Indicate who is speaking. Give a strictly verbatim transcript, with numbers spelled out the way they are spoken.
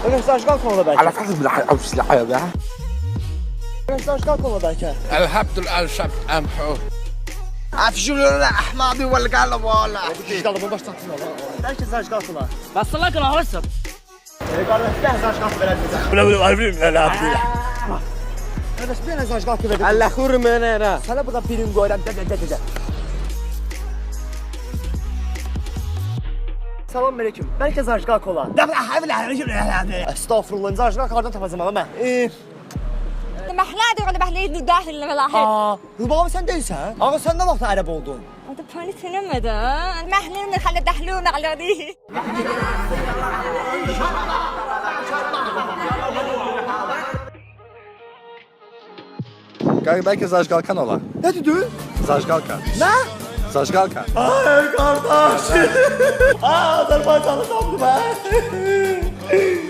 Speaker 1: Öyle zajqal konuda belki.
Speaker 2: على فحسب السلاحية ده
Speaker 1: Öyle zajqal konuda belki.
Speaker 2: الهبت الألشب أمحو
Speaker 3: عفشوا أحمد والقلب والله.
Speaker 1: Zajqalımı başlatın ola. Belki zajqal konuda.
Speaker 4: Bastılar ki ağırsın.
Speaker 1: Qardaş, bir dənə zajqal verər bizə.
Speaker 2: ولا ولا عارفين لا عارفين
Speaker 1: Qardaş, bir dənə zajqal verər.
Speaker 3: الله خور من را.
Speaker 1: Sənə burada birin qoyuram, də də də də. Salam aleyküm. Bəlkə zajqal kola. Estağfurullah, zajqal hardan tapacağam ama mən? Eee,
Speaker 5: محلادي ولا بحليد داخل الملاحق
Speaker 1: aa, Rubabı sən deyilsən? Ağa sən nə vaxt ərəb oldun?
Speaker 5: هذا باني سينما محلين نخلي دحلونا على دي
Speaker 2: Kanka belki Zajgalkan ola.
Speaker 1: Nə dedin?
Speaker 2: Zajgalkan.
Speaker 1: Nə?
Speaker 2: Zajgalkan.
Speaker 1: Ay qardaş. Aa, Azərbaycanlı tapdım mən.